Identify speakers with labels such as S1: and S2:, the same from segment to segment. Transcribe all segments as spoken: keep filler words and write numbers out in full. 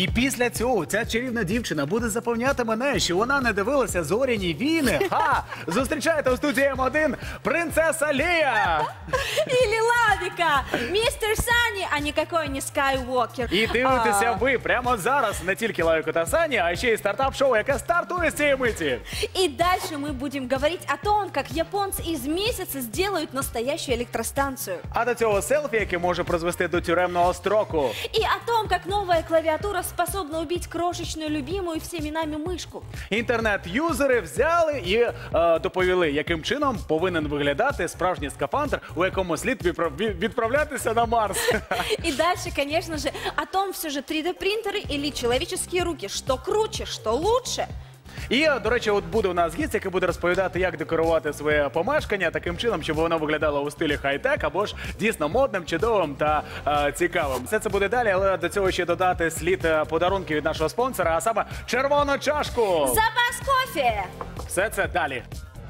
S1: І після цього ця чарівна дівчина буде запевняти мене, що вона не дивилася «Зоряні війни». Ха! Зустрічайте у студії М один принцеса Лія!
S2: Или Лавика! Мистер Санни, а никакой не Скайуокер.
S1: І дивитеся ви прямо зараз не тільки Лавику та Сані, а ще й стартап-шоу, яке стартує з цієї миті.
S2: И дальше мы будем говорить о том, как японцы из месяца сделают настоящую электростанцию.
S1: А до цього селфі, яке може призвести до тюремного строку.
S2: И о том, как новая клавиатура способна убить крошечную, любимую всеми нами мышку.
S1: Інтернет-юзери взяли і е, доповіли, яким чином повинен виглядати справжній скафандр, у якому слід відправ- відправлятися на Марс.
S2: И дальше, конечно же, о том все же три дэ принтеры или человеческие руки. Что круче, что лучше.
S1: І, до речі, от буде у нас гість, який буде розповідати, як декорувати своє помешкання таким чином, щоб воно виглядало у стилі хай-тек або ж дійсно модним, чудовим та е, цікавим. Все це буде далі, але до цього ще додати слід е, подарунки від нашого спонсора, а саме червону чашку.
S2: Запас кофе!
S1: Все це далі.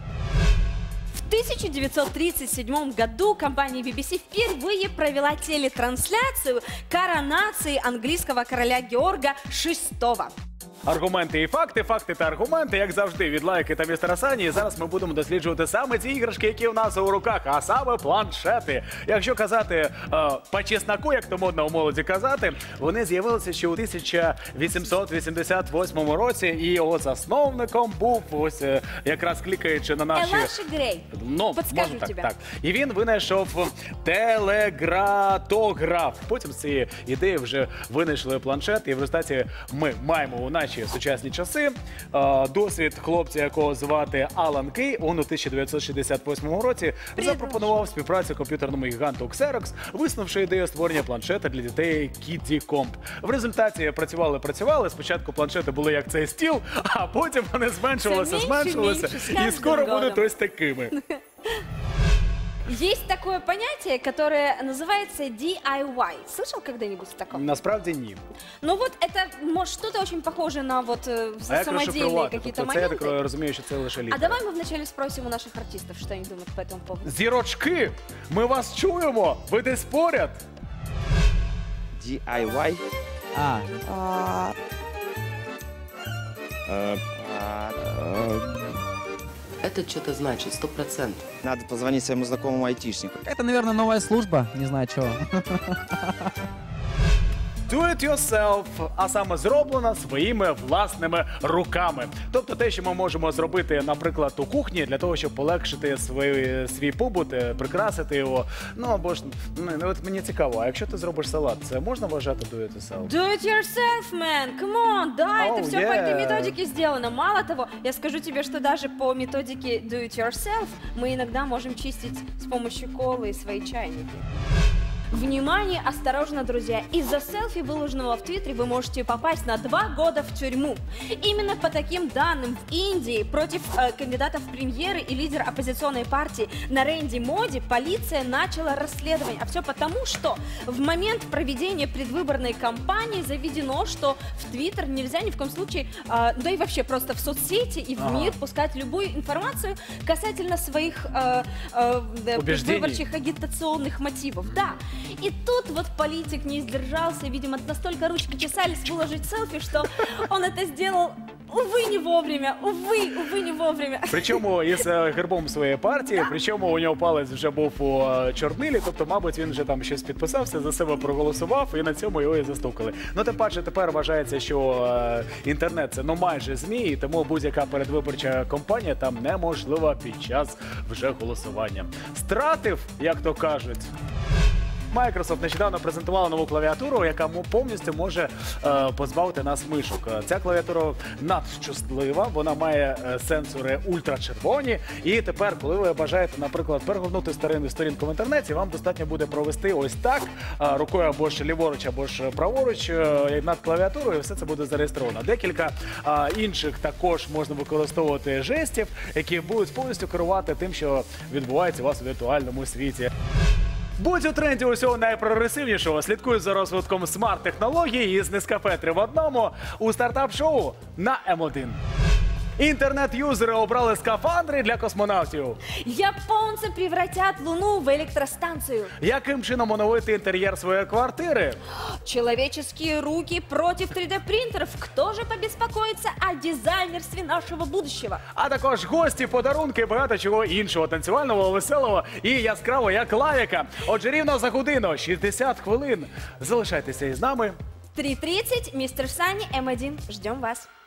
S2: В тысяча девятьсот тридцать седьмом году компания би би си впервые провела телетрансляцию коронации английского короля Георга шестого.
S1: Аргументи і факти, факти та аргументи, як завжди, від Лайки та містера Сані. І зараз ми будемо досліджувати саме ті іграшки, які у нас у руках, а саме планшети. Якщо казати е, по чесноку, як то модно у молоді казати, вони з'явилися ще у тисяча вісімсот вісімдесят восьмому році, і його засновником був, ось е, якраз клікаючи на наші...
S2: Елаші Грей.
S1: Ну,
S2: Подскажу
S1: можна так,
S2: тебе.
S1: так. І він винайшов телегратограф. Потім з цієї ідеї вже винайшли планшет, і в результаті ми маємо у нашій сучасні часи е, досвід хлопця, якого звати Алан Кей. Он у тисяча дев'ятсот шістдесят восьмому році запропонував співпрацю комп'ютерному гіганту Xerox, висунувши ідею створення планшета для дітей Kiddie Comp. В результаті працювали-працювали. Спочатку планшети були як цей стіл, а потім вони зменшувалися,
S2: Все менше,
S1: зменшувалися.
S2: менше, з
S1: І
S2: кожним
S1: скоро
S2: годом.
S1: будуть ось такими.
S2: Есть такое понятие, которое называется ди ай вай. Слышал когда-нибудь о таком?
S1: Насправді ні.
S2: Ну вот это, может, что-то очень похоже на вот э,
S1: А як
S2: самодельные
S1: розшифрувати?
S2: какие-то
S1: Тобто це, я
S2: моменты.
S1: так розумію, що це лише
S2: А
S1: літера.
S2: давай мы вначале спросим у наших артистов, что они думают по этому поводу.
S1: Зірочки, ми вас чуємо, ви десь поряд.
S3: ди ай вай.
S4: А,
S3: Э, а, э,
S5: Это что-то значит, сто процентов.
S3: Надо позвонить своему знакомому айтишнику.
S4: это, наверное, новая служба, не знаю чего.
S1: Do it yourself, а саме зроблена своїми власними руками. Тобто те, що ми можемо зробити, наприклад, у кухні, для того, щоб полегшити свій, свій побут, е, прикрасити його. Ну, або ж, ну, от мені цікаво, а якщо ти зробиш салат, це можна вважати do it yourself?
S2: Do it yourself, man! Come on! Да,
S1: Oh,
S2: это все
S1: yeah.
S2: по этой методике сделано. Мало того, я скажу тебе, что даже по методике do it yourself мы иногда можем чистить с помощью колы и свои чайники. Внимание, осторожно, друзья! Из-за селфи, выложенного в Твиттере, вы можете попасть на два года в тюрьму. Именно по таким данным в Индии против э, кандидатов в премьеры и лидера оппозиционной партии Наренди Моди полиция начала расследование. А все потому, что в момент проведения предвыборной кампании заведено, что в Твиттер нельзя ни в коем случае, э, да и вообще просто в соцсети и в
S1: Ага.
S2: мир пускать любую информацию касательно своих э, э, да,
S1: Убеждений.
S2: предвыборчих агитационных мотивов. Да. И тут вот политик не сдержался, видимо, настолько ручки чесались выложить селфи, что он это сделал, увы, не вовремя, увы, увы, не вовремя.
S1: Причому із е, гербом своєї партії, причому у нього палець вже був у е, чорнилі, тобто, мабуть, він вже там щось підписався, за себе проголосував, і на цьому його і застукали. Ну, тим паче, тепер вважається, що е, інтернет – це, ну, майже ЗМІ, і тому будь-яка передвиборча кампанія там неможлива під час вже голосування. Стратив, як то кажуть. Microsoft нещодавно презентувала нову клавіатуру, яка мо- повністю може е, позбавити нас мишок. Е, Ця клавіатура надщаслива, вона має е, сенсори ультрачервоні. І тепер, коли ви бажаєте, наприклад, перегорнути старинну сторінку в інтернеті, вам достатньо буде провести ось так, е, рукою або ж ліворуч, або ж праворуч е, над клавіатурою, і все це буде зареєстровано. Декілька е, інших також можна використовувати жестів, які будуть повністю керувати тим, що відбувається у вас у віртуальному світі. Будь у тренді усього найпрогресивнішого. Слідкуй за розвитком смарт-технологій із Нескафе три в одному у стартап-шоу на М один. Інтернет-юзери обрали скафандри для космонавтів.
S2: Японцы превратят Луну в электростанцию.
S1: Яким чином оновити інтер'єр своєї квартири?
S2: Человеческие руки против три дэ принтеров. Кто же побеспокоится о дизайнерстве нашего будущего?
S1: А також гості, подарунки, багато чого іншого танцювального, веселого і яскравого, як лавіка. Отже, рівно за годину, шістдесят хвилин. Залишайтеся із нами.
S2: три тридцать, мистер Сани, эм один. Ждем вас.